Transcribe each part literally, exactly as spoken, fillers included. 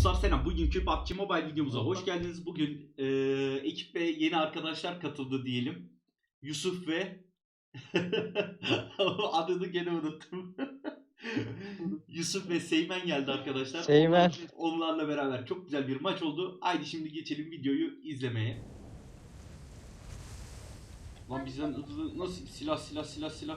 Dostlar selam. Bugünkü P U B G Mobile videomuza hoş geldiniz. Bugün e, ekibe yeni arkadaşlar katıldı diyelim. Yusuf ve adını gene unuttum. Yusuf ve Seymen geldi arkadaşlar. Seymen. Onlar, onlarla beraber çok güzel bir maç oldu. Haydi şimdi geçelim videoyu izlemeye. Lan bizden hızlı nasıl silah silah silah silah.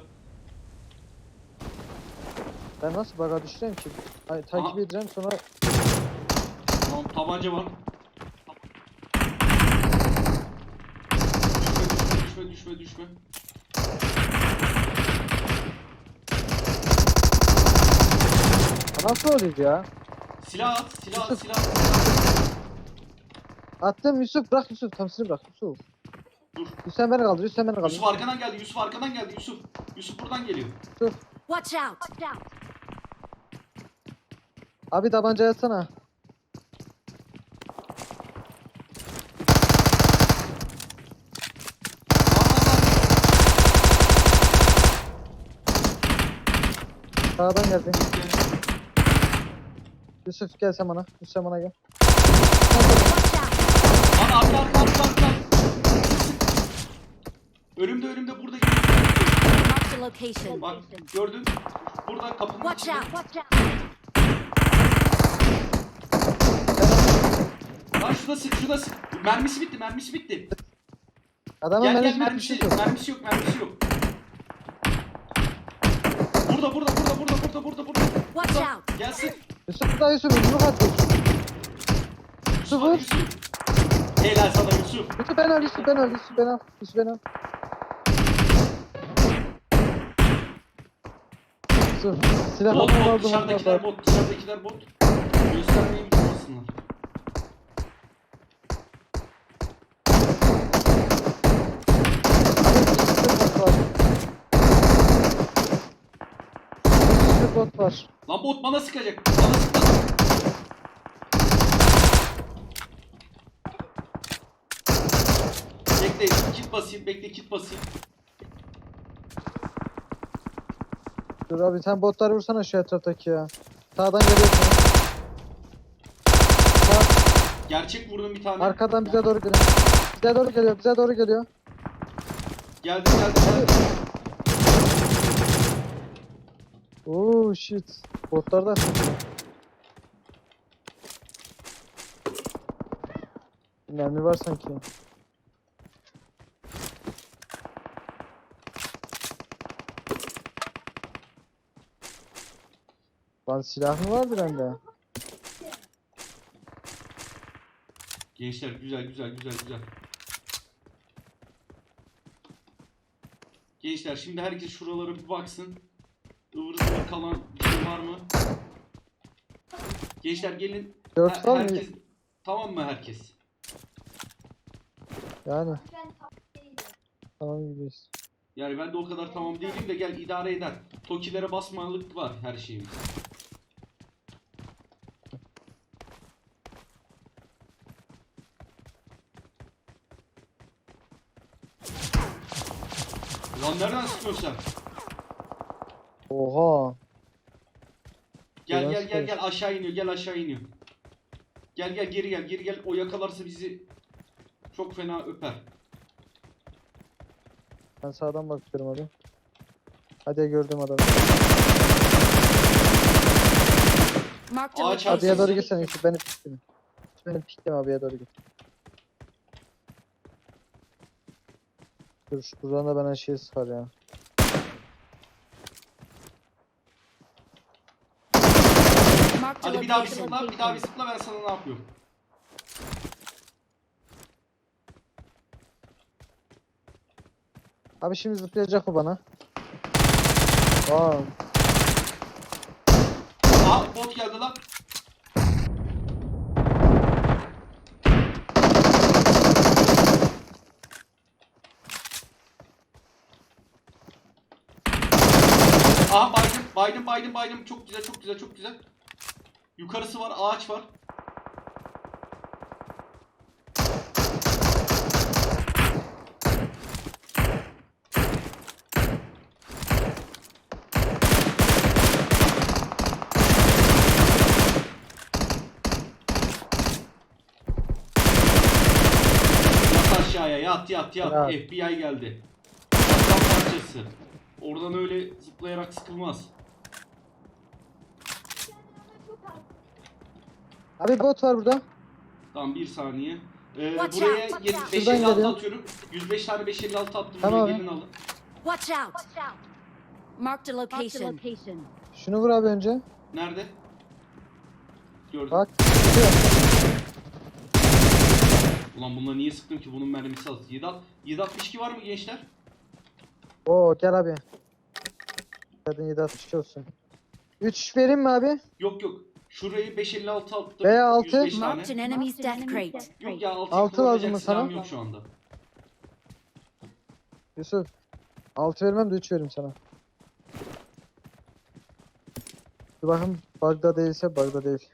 Ben nasıl baga düşeceğim ki? Ay, takip Aha. edeceğim sonra Tamam, tabanca var. Düşme düşme düşme düşme. nasıl oluyor ya? Silah at, silah at, Yusuf. silah at. Attım Yusuf, bırak Yusuf, tamsını bırak Yusuf. Dur. Yusuf sen beni kaldır, Yusuf sen beni kaldır. Yusuf arkadan geldi, Yusuf arkadan geldi, Yusuf. Yusuf buradan geliyor. Yusuf. Watch out! Watch out! Abi tabanca yatsana. Sağdan geldi. Yusuf gel sen bana. Yusuf sen bana gel. Watch out! Lan arka arka arka arka. Önümde önümde burada geliyor. Mark the location. Bak gördün. Burada kapının Watch içinde. out! Watch out! Lan şuna sık şuna sık. Mermisi bitti mermisi bitti. Adamın Gel gel mermisi mermisi, bitmiş Yusuf. mermisi yok mermisi yok. Burada burada burada burada burada burada burada. Watch Burada. out! Gel sık. Yusuf da Yusuf, yumruk at Yusuf. Yusuf vur. Yusuf. Helal sana Yusuf. Yusuf ben al, Yusuf ben al, Yusuf ben al, Yusuf ben al. Yusuf silah Bot aldım bot aldım dışarıdakiler aldım. bot dışarıdakiler bot. Göstermeyi unutmasınlar. Bir bot var. Lan bot bana sıkacak. Bana sıkacak. Bekle kit basayım bekle kit basayım. Dur abi sen botları vursana şu etraftaki ya. Sağdan geliyorsun. Sağ, Gerçek vurdum bir tane. arkadan bize doğru geliyor. Bize doğru geliyor, bize doğru geliyor. Geldim geldim geldim. Oo shit. Botlar da mermi var sanki. Lan silah mı vardı bende? Gençler güzel güzel güzel güzel. Gençler şimdi herkes şuralara bir baksın. Ivır zıvır kalan bir şey var mı? Gençler gelin. Dört Her- var mı? herkes tamam mı herkes? Yani. Tamam gidiyoruz. Yani ben de o kadar tamam değilim de gel idare eder. Tokilere basmalık var her şeyimiz. Lan nereden sıkıyorsun sen? Oha. Gel Biraz gel gel karışık. gel aşağı iniyor gel aşağı iniyor. Gel gel geri gel geri gel o yakalarsa bizi çok fena öper. Ben sağdan bakıyorum abi. Hadi gördüm adamı. Mark the Ağaç location. Abiye doğru gitsene Yusuf, beni pikleme. Beni pikleme, abiye doğru git. Dur buradan da bana şey sıkar ya. Mark the Hadi bir daha bir location. zıpla bir daha bir zıpla ben sana ne yapıyorum. Abi şimdi zıplayacak o bana. Aa, Aha bot geldi lan. Aha baydım baydım baydım baydım çok güzel çok güzel çok güzel. Yukarısı var ağaç var. Yat yat yat. Ya. F B I geldi. Aslan parçası. Oradan öyle zıplayarak sıkılmaz. Abi bot var burada. Tamam bir saniye. Ee, Watch buraya out, watch yedi- out. beş Şuradan elli altı geliyor. atıyorum. yüz beş tane beş elli altı attım. Tamam Buraya abi. gelin alın. Watch out. Marked a location. Şunu vur abi önce. Nerede? Gördüm. Bak. Gidiyor. Ulan bununla niye sıktım ki? Bunun mermisi az. yedi altmış iki var mı gençler? Oo gel abi. Hadi yedi altmış iki olsun. üç vereyim mi abi? Yok yok. Şurayı beş elli altı attım. Veya altı. yüz beş tane. Marked an enemy's death crate. Yok ya altı Altı lazım mı silahım sana? yok şu anda. Yusuf. altı vermem de üç veririm sana. Dur bakın bug'da değilse bug'da değil.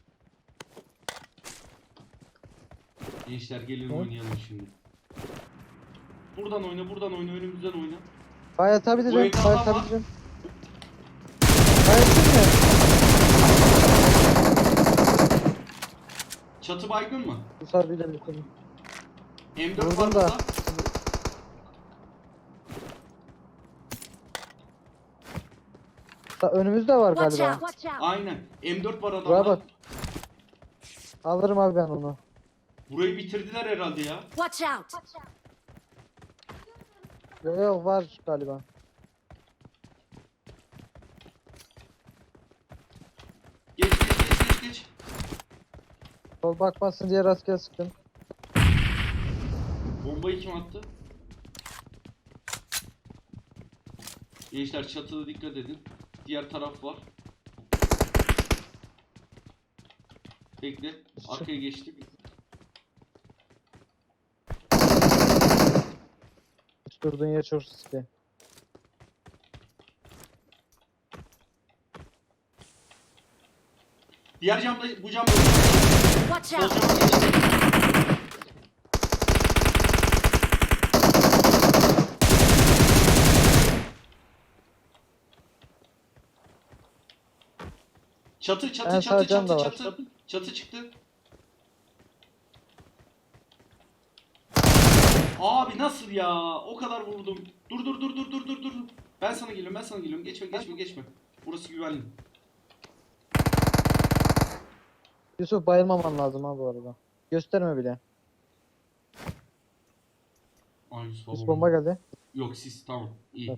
Gençler gelin Hı? oynayalım şimdi. Buradan oyna, buradan oyna, önümüzden oyna. Bayat abi Bu diyeceğim. evde Bayat adam abi var. diyeceğim. Bayat mi? Çatı baygın mı? Yusuf abiyle birlikte. M dört Vurdum var da. burada. Ta- Önümüzde var Watch galiba. out. Aynen. M dört var Buraya adamda. bak. Alırım abi ben onu. Burayı bitirdiler herhalde ya. Watch out. Yok yok var galiba. Geç geç geç geç geç. Sol bakmasın diye rastgele sıktım. Bombayı kim attı? Gençler çatıda dikkat edin. Diğer taraf var. Bekle. Arkaya geçtik. Hiç durduğun yer çok riskli. Diğer camda, bu camda. Watch Sol out. cama geçti. Çatı çatı En çatı sağ cam çatı da var. çatı. Çatı çıktı. Abi nasıl ya? O kadar vurdum. Dur dur dur dur dur dur dur. Ben sana geliyorum ben sana geliyorum. Geçme geçme geçme. Burası güvenli. Yusuf bayılmaman lazım ha bu arada. Gösterme bile. Ay Yusuf Yusuf babam. bomba geldi. Yok siz tamam. İyi.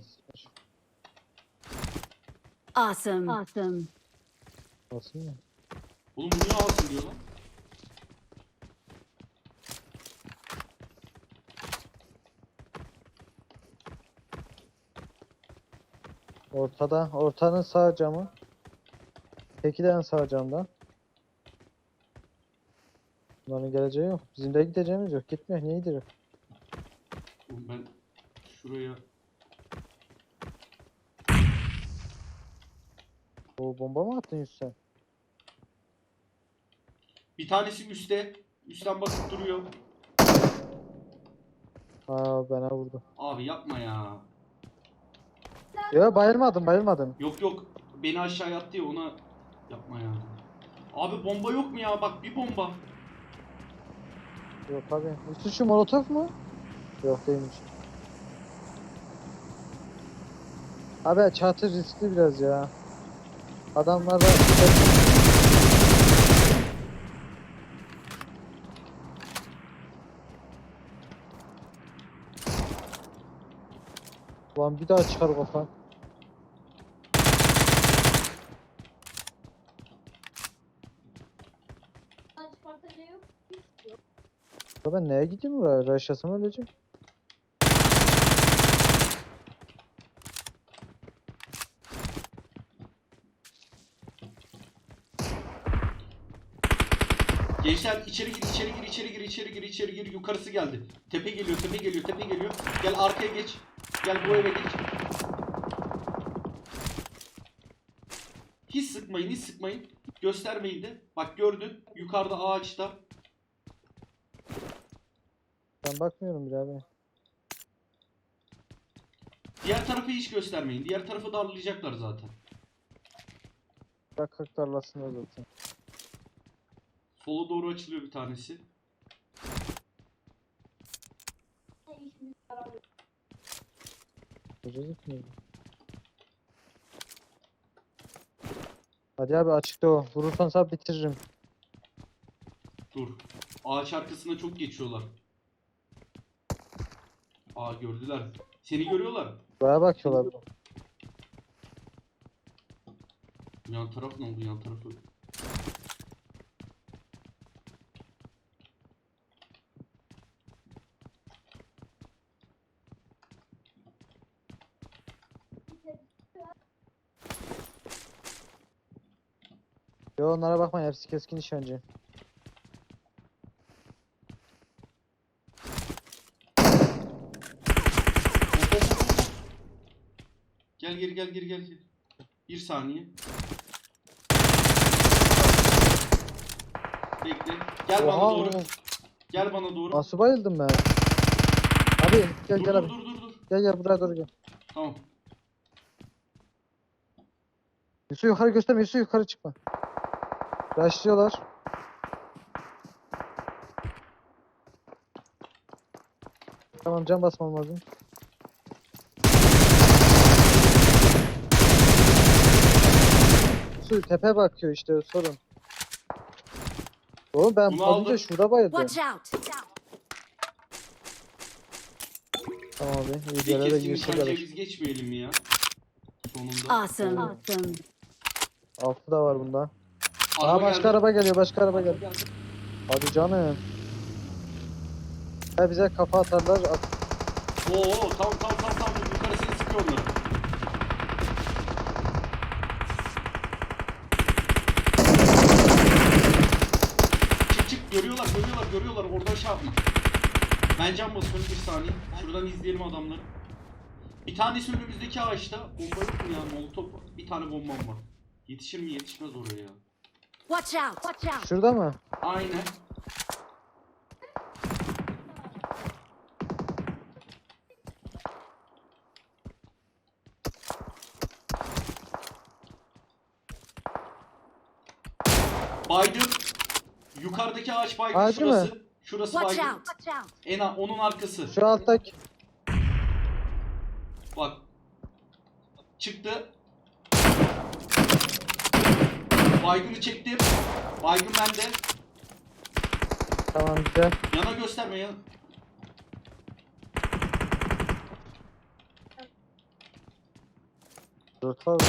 Awesome. Awesome. Olsun ya. Oğlum bu niye alsın diyor lan? Ortada. Ortanın sağ camı. Teki de en sağ camda. Bunların geleceği yok. Bizim de gideceğimiz yok. Gitmiyor. Niye gidiyor? Oğlum ben şuraya O bomba mı attın Yusuf sen? bir tanesi üstte. Üstten bakıp duruyor. Aa bana vurdu. Abi yapma ya. Yok bayılmadım bayılmadım. Yok yok. Beni aşağıya attı ya ona yapma ya. Abi bomba yok mu ya? Bak bir bomba. Yok abi. Yusuf şu molotof mu? Yok değilmiş. Abi çatı riskli biraz ya. Adamlar da... Ulan bir daha çıkar kafan. Ya ben neye gideyim buraya? Raşyasam öleceğim. Gençler içeri gir, içeri gir, içeri gir, içeri gir, içeri gir. Yukarısı geldi. Tepe geliyor, tepe geliyor, tepe geliyor. Gel arkaya geç. Gel bu eve geç. Hiç sıkmayın, hiç sıkmayın. Göstermeyin de. Bak gördün. Yukarıda ağaçta. Ben bakmıyorum bile abi. Diğer tarafı hiç göstermeyin. Diğer tarafı darlayacaklar zaten. Bak kalk tarlasında zaten. Sola doğru açılıyor bir tanesi. Çocuk mu? Hadi abi açıkta o. Vurursan sap bitiririm. Dur. Ağaç arkasına çok geçiyorlar. Aa gördüler. Seni görüyorlar. Buraya bakıyorlar. Yan taraf ne oldu? Yan tarafı. Yo onlara bakma hepsi keskin nişancı. Gel geri gel geri gel. Gel. Bir saniye. Bekle. Gel bana Oha, doğru. oğlum. Gel bana doğru. Nasıl bayıldım ben? Abi gel Dur gel dur abi. dur dur dur. Gel gel buraya doğru gel. Tamam. Yusuf yukarı gösterme, Yusuf yukarı çıkma. Başlıyorlar. Tamam can basmam lazım. Yusuf tepe bakıyor işte sorun. Oğlum ben Bunu az önce aldım. şurada bayıldım. Watch out! Tamam abi iyi Bir göre de keskin girse nişancıya gelir. biz geçmeyelim mi ya? Sonunda. Awesome. Awesome. Altı da var bunda. Araba Aa başka geldi. araba geliyor, başka araba geliyor. Hadi canım. Ya bize kafa atarlar. At. Oo tamam tamam tamam tamam. Yukarısını sıkıyor onları. Çık çık görüyorlar görüyorlar görüyorlar. Oradan şey yapma. Ben can basıyorum bir saniye. Şuradan izleyelim adamları. Bir tanesi önümüzdeki ağaçta. Bomba yok mu ya? Molotof var. Bir tane bombam var. Yetişir mi yetişmez oraya ya. Watch out! Watch out! Şurada mı? Aynen. Baygın. Yukarıdaki ağaç baygın Ağacı şurası. mı? Şurası Watch baygın. out! Watch out! En a- onun arkası. Şu alttaki. Bak. Çıktı. Baygını çektim. Baygın bende. Tamam güzel. Yana gösterme ya. Dört var.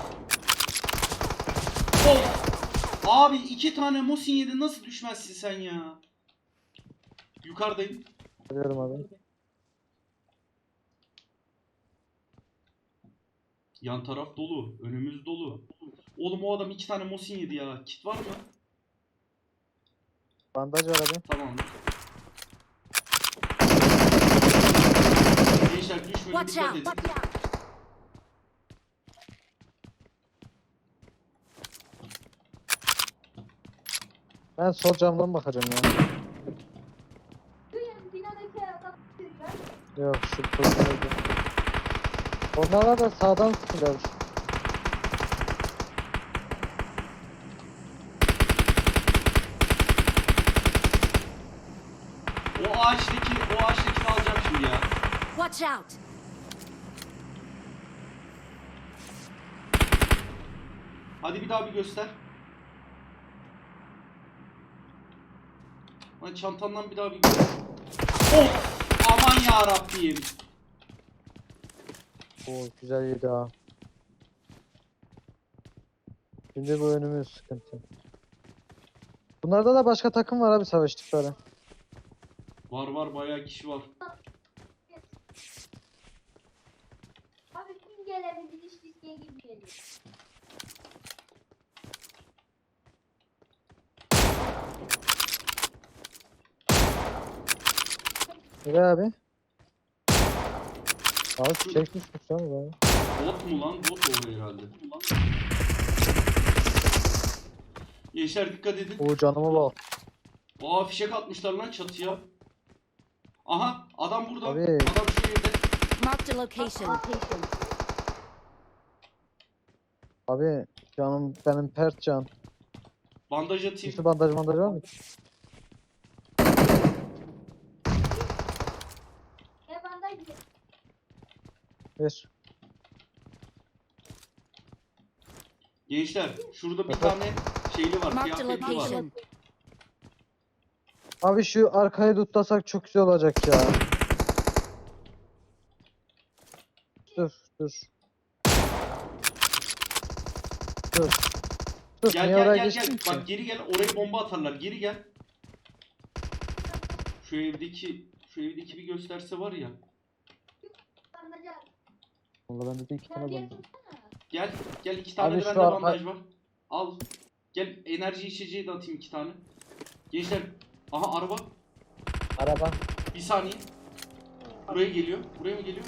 Of. Abi iki tane Mosin yedi nasıl düşmezsin sen ya? Yukarıdayım. Görüyorum abi. Yan taraf dolu. Önümüz dolu. Oğlum o adam iki tane Mosin yedi ya. Kit var mı? Bandaj var abi. Tamamdır. Gençler düşmeyin Watch dikkat out! edin. Watch out! Ben sol camdan bakacağım ya. Yok şu pozisyona gir. Onlara da sağdan sıkılır. O ağaçtaki, o ağaçtakini alacağım şimdi ya. Watch out! Hadi bir daha bir göster. Lan çantandan bir daha bir göster. Of! Aman ya Rabbim. Oo güzel yedi ha. Şimdi bu önümüz sıkıntı. Bunlarda da başka takım var abi savaştıkları. Var var bayağı kişi var. Abi kim gelebilir hiç riske girmeyelim. Öyle abi. Abi çekmiş tutuyor mu abi? Bot mu lan? Bot o herhalde. Gençler dikkat edin. Oo canıma bak. Aa fişek atmışlar lan çatıya. Aha adam burada. Abi. Adam şu evde. Marked a location. Abi canım benim pert can. Bandaj atayım. Üstü bandaj bandaj var mı? Ne var? Ver. Gençler şurada bir Evet. tane şeyli var, Marked a kıyafetli var. location. Abi şu arkayı tutlasak çok güzel olacak ya. Dur dur. Dur. Dur. Gel Niye gel oraya gel geçtin gel. ki? Bak geri gel. Oraya bomba atarlar. Geri gel. Şu evdeki şu evdeki bir gösterse var ya. Bandaj al. Vallahi bende de iki Sen tane bir bandaj. tutsana. Gel. Gel iki tane Abi de şu bende arka- bandaj var. Al. Gel enerji içeceği de atayım iki tane. Gençler. Aha araba. Araba. Bir saniye. Buraya geliyor. Buraya mı geliyor?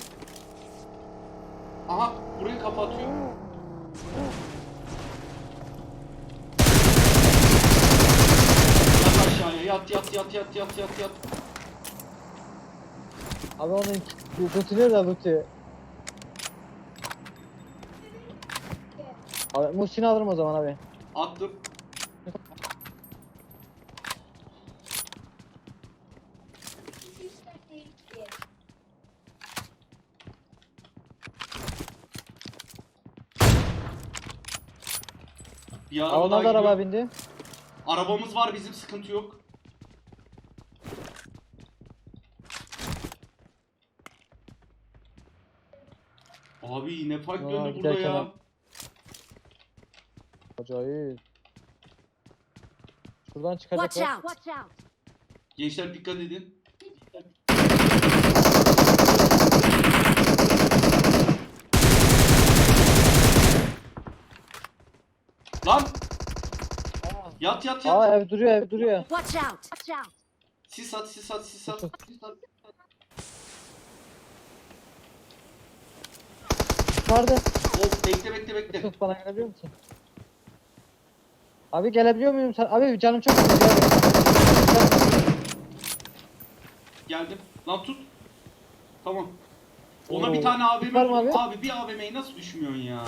Aha burayı kapatıyor. Yat aşağıya. Yat yat yat yat yat yat yat. Abi onun tutuyor da tutuyor. Abi Muhsin'i alırım o zaman abi. Attım. İki üç dört değil ki. Bir Aa, araba ona daha da araba gidiyor. bindi. Arabamız var bizim, sıkıntı yok. Abi ne fark Aa, döndü burada giderken ya. al. Acayip. Şuradan Watch çıkacaklar. out! Watch out! Gençler dikkat edin. Lan! Yat yat yat. Aa ev duruyor ev duruyor. Watch out! Watch out! Sis at sis at sis at. Sis at. Vardı. Of bekle bekle bekle. Yusuf bana gelebiliyor musun? Abi gelebiliyor muyum sen? Abi canım çok sıkıldı abi. Geldim. Lan tut. Tamam. Ona Oo. bir tane A V M Var mı vurdum. abi? Abi bir A V M'yi nasıl düşmüyorsun ya?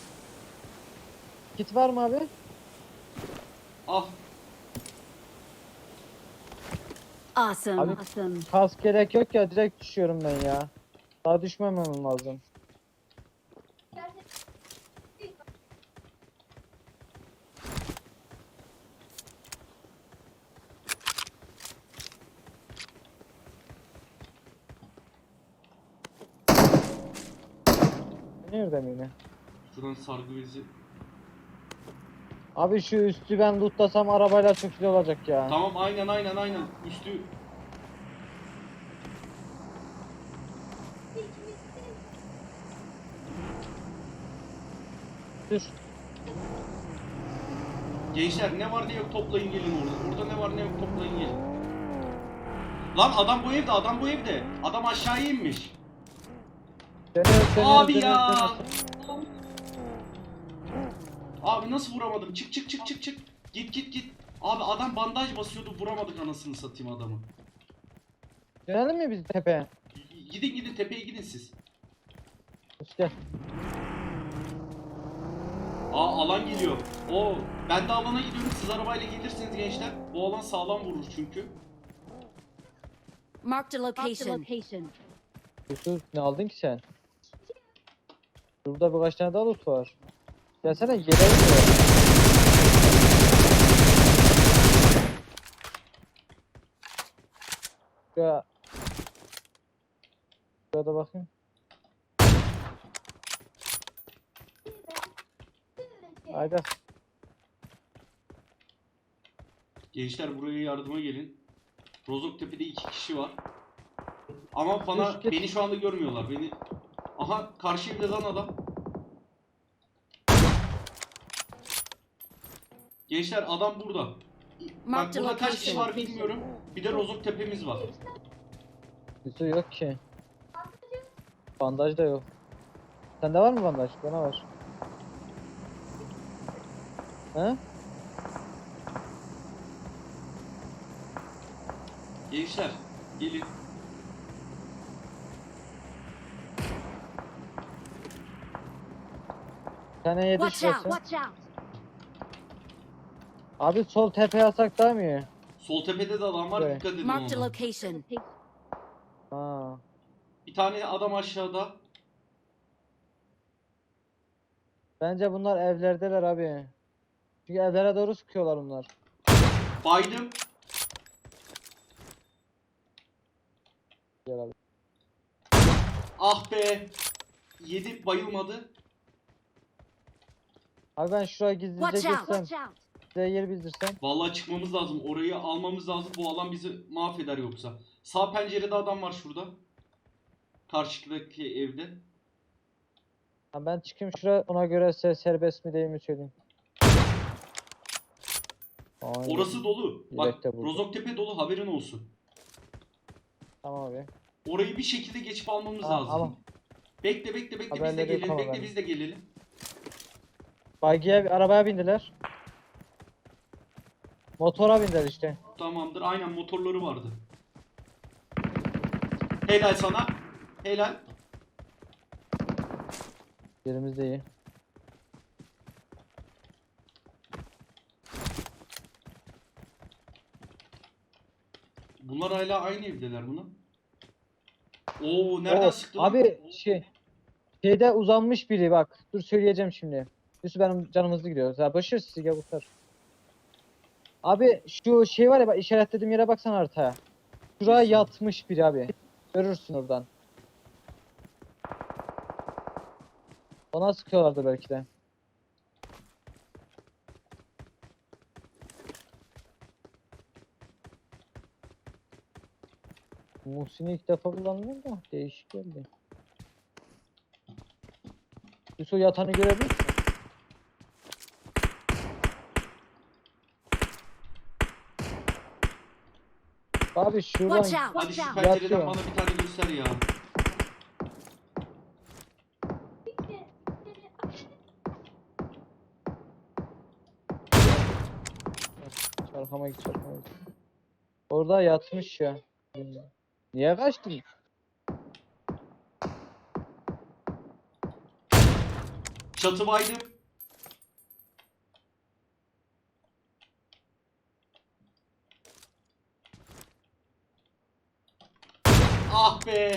Kit var mı abi? Al. Awesome! Abi- Awesome! Kask gerek yok ya direkt düşüyorum ben ya. Daha düşmemem lazım. Nerede mi yine? Şuradan sargı bezi. Abi şu üstü ben lootlasam arabayla çok güzel olacak ya. Tamam aynen aynen aynen. Üstü Dur. gençler ne var ne yok toplayın gelin orada. Orada ne var ne yok toplayın gelin. Lan adam bu evde, adam bu evde. Adam aşağıya inmiş. Dönüyor, dönüyor, Abi dönüyor, ya. dönüyor. Abi nasıl vuramadım? Çık çık çık çık çık. Git git git. Abi adam bandaj basıyordu, vuramadık anasını satayım adamı. Dönelim mi biz tepeye? Gidin gidin tepeye gidin siz. Gel. Aa alan geliyor. Oo ben de alana gidiyorum. Siz arabayla gelirsiniz gençler. Bu alan sağlam vurur çünkü. Marked a location. Yusuf ne aldın ki sen? Burada birkaç tane daha loot var. Gelsene yere gidiyor. Ya. Şurada bakayım. Haydi. Gençler buraya yardıma gelin. Rozoktepe'de iki kişi var. Ama bana Üst git. beni şu anda görmüyorlar. Beni aha karşı evde lan adam. Gençler adam burada. Bak Marked burada kaç kişi location. var bilmiyorum. Bir de Rozoktepe'miz var. Yusuf yok ki. Bandaj da yok. Sende var mı bandaj? Bana var. He? Gençler gelin. Bir tane yedi Watch out! şurası. Watch out! Abi sol tepeye atsak daha mı iyi? Sol tepede de adam var, Evet. dikkat edin Marked a ona. location. Ha. Bir tane adam aşağıda. Bence bunlar evlerdeler abi. Çünkü evlere doğru sıkıyorlar bunlar. Baydım. Gel abi. Ah be. Yedi bayılmadı. Abi ben şuraya gizlice Watch out! geçsem, Watch out! size yer bildirsem. Vallahi çıkmamız lazım. Orayı almamız lazım. Bu alan bizi mahveder yoksa. Sağ pencerede adam var şurada. Karşıdaki evde. Ha, ben çıkayım şuraya, ona göre size serbest mi değil mi söyleyeyim. Aynen. Orası dolu. Bak Yelek de burada. Rozoktepe dolu, haberin olsun. Tamam abi. Orayı bir şekilde geçip almamız Tamam, lazım. ama- Bekle bekle bekle biz de Haberleri gelelim. tamam Bekle abi. biz de gelelim. Bagiye, arabaya bindiler. Motora bindiler işte. Tamamdır. Aynen motorları vardı. Helal sana. Helal. Yerimiz de iyi. Bunlar hala aynı evdeler buna. Oo nereden Oo, sıktı lan? abi şey şeyde uzanmış biri bak. Dur söyleyeceğim şimdi. Yusuf benim canım hızlı gidiyor. Ya başır sizi gel kurtar. Abi şu şey var ya bak, işaretlediğim yere baksana haritaya. Şuraya Nasıl? yatmış biri abi. Görürsün oradan. Ona sıkıyorlardı belki de. Muhsin'i ilk defa kullanmıyorum da değişik geldi. Yusuf yatanı görebilir misin? Abi şuradan Watch out! Hadi Watch şu out! pencereden Yatıyor. bana bir tane göster ya. çarpama git çarpama git. Orada yatmış ya. Niye kaçtın? Çatı baydım. Ah be.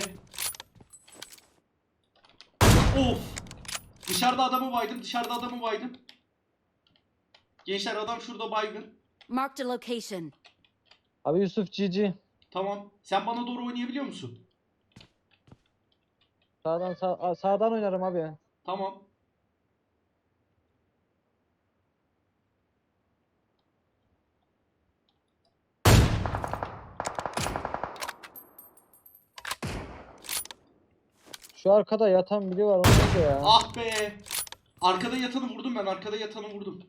Of. Dışarıda adamı baydım. Dışarıda adamı baydım. Gençler adam şurada baygın. Marked a location. Abi Yusuf Cici. Tamam. Sen bana doğru oynayabiliyor musun? Sağdan sağ, sağdan oynarım abi. Tamam. Şu arkada yatan biri var o nerede ya? Ah be. Arkada yatanı vurdum ben. Arkada yatanı vurdum.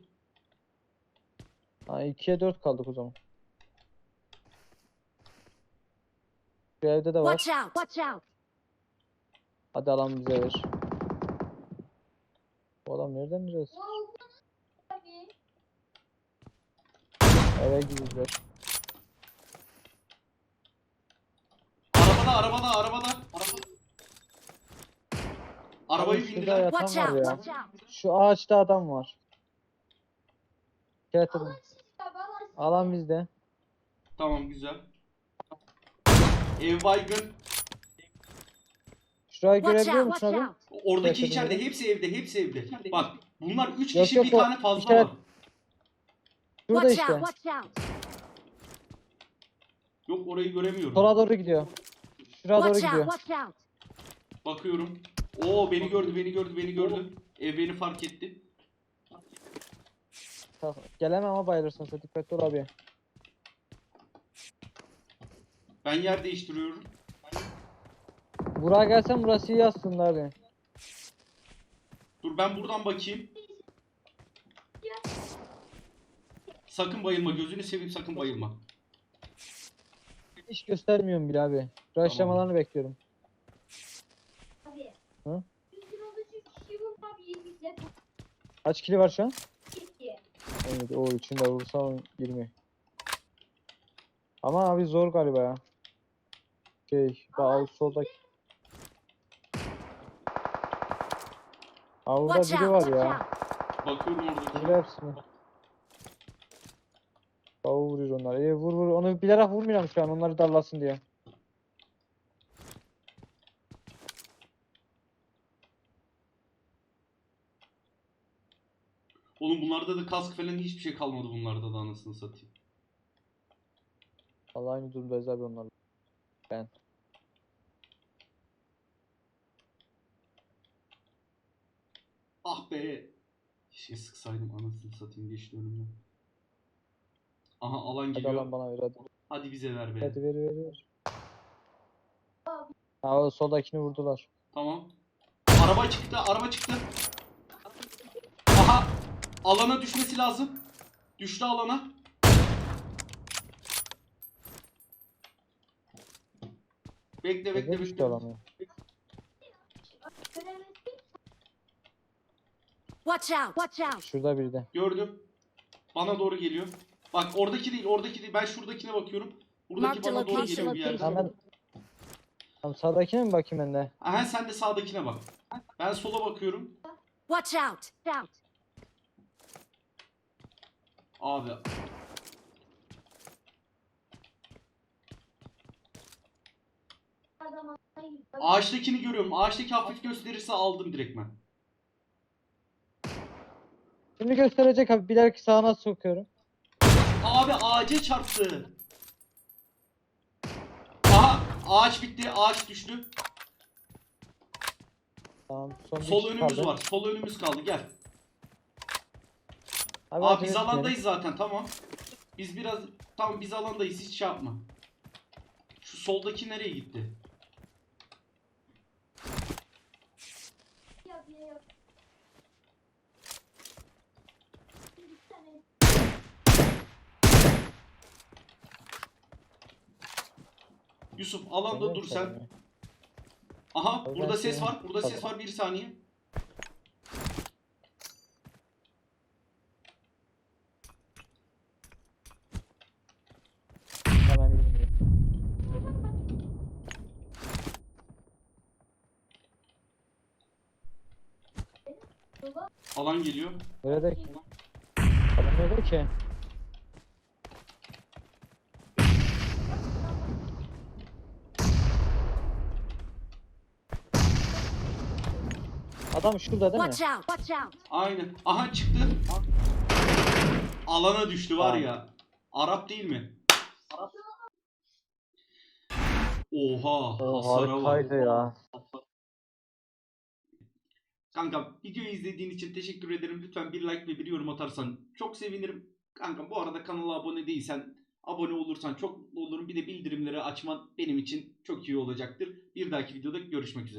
Ha ikiye dört kaldık o zaman. Şu evde de var. Watch out! Watch out! Hadi alan bize ver. Bu adam nereden nereye? Abi. Eve gidiyorlar. Arabada arabada arabada. Arabada. Arabayı Abi şurada bindiler. yatan Watch var out! ya. Watch out! Şu ağaçta adam var. Evet adam. Alan sizde abi alan sizde. Alan bizde. Tamam güzel. Ev baygın. Şurayı Watch görebiliyor out! musun Watch abi? out! Oradaki Evet, içeride. evet. Hepsi evde. Hepsi evde. Bak bunlar üç Yok, kişi yok, bir o tane fazla işaret- var. Şurada Watch işte. out! Watch out! Yok orayı göremiyorum. Sola doğru gidiyor. Şuraya doğru Watch out! gidiyor. Watch out! Bakıyorum. Oo beni gördü, beni gördü, beni gördü. Ev beni fark etti. Tamam, gelemem ama bayılırsın sen dikkatli ol abi. Ben yer değiştiriyorum. Buraya gelsen burası iyi aslında abi. Dur ben buradan bakayım. Sakın bayılma, gözünü seveyim sakın bayılma. Hiç göstermiyorum bile abi. Rushlamalarını bekliyorum. Abi. Hı? Yüzün oluşu kişi vurma abi yirmi Kaç kili var şu an? iki. Evet, o içinde vursam yirmi. Ama abi zor galiba ya. Şey, bak soldaki. Aa, burada Watch biri out! var Watch ya. out! Bakıyorum oradaki. Vur hepsini. Aa, vuruyor onlar. İyi vur vur. Onu bilerek vurmuyorum şu an. Onları darlasın diye. Oğlum bunlarda da kask falan hiçbir şey kalmadı bunlarda da anasını satayım. Vallahi aynı durumdayız abi onlarla. Ben. Ah be. Keşke sıksaydım anasını satayım geçti önümden. Aha alan Hadi geliyor. alan bana ver hadi. Hadi bize ver be. Hadi ver ver ver. Ha o soldakini vurdular. Tamam. Araba çıktı, araba çıktı. Aha! Alana düşmesi lazım. Düştü alana. Bekle bekle Bekle bekle. düştü alanı. Göremezsin. Watch out! Watch out! Şurada biri de. Gördüm. Bana doğru geliyor. Bak oradaki değil, oradaki değil. Ben şuradakine bakıyorum. Buradaki Mark the bana doğru location, geliyor bir yerden. location. Hemen. Tamam sağdakine mi bakayım ben de? Aha sen de sağdakine bak. Ben sola bakıyorum. Watch out! Out! Abi. Adam atlayın. Ağaçtakini görüyorum. Ağaçtaki hafif gösterirse aldım direktmen. Şimdi gösterecek abi. Bilerek sağına sokuyorum. Abi ağaca çarptı. Aha ağaç bitti. Ağaç düştü. Tamam. Son bir Sol kişi önümüz kaldı. var. Sol önümüz kaldı. Gel. Abi, Abi acele biz etmeyelim. alandayız zaten tamam. Biz biraz tamam biz alandayız hiç şey yapma. Şu soldaki nereye gitti? Ya, ya, ya. Bir tane Yusuf alanda Görüyorum dur seni sen. ya. Aha Abi burada ben ses seni- var. Burada ses Tamam. var bir saniye. Hemen bilmiyorum. Alan geliyor. Nerede ki? Adam nerede ki? Adam şurada değil mi? Watch out! Watch out! Aynen. Aha çıktı. Alana düştü var Tamam. ya. Arap değil mi? Oha. O Hasara bak. harikaydı ya. Kanka videoyu izlediğin için teşekkür ederim. Lütfen bir like ve bir yorum atarsan çok sevinirim. Kanka bu arada kanala abone değilsen abone olursan çok mutlu olurum. Bir de bildirimleri açman benim için çok iyi olacaktır. Bir dahaki videoda görüşmek üzere.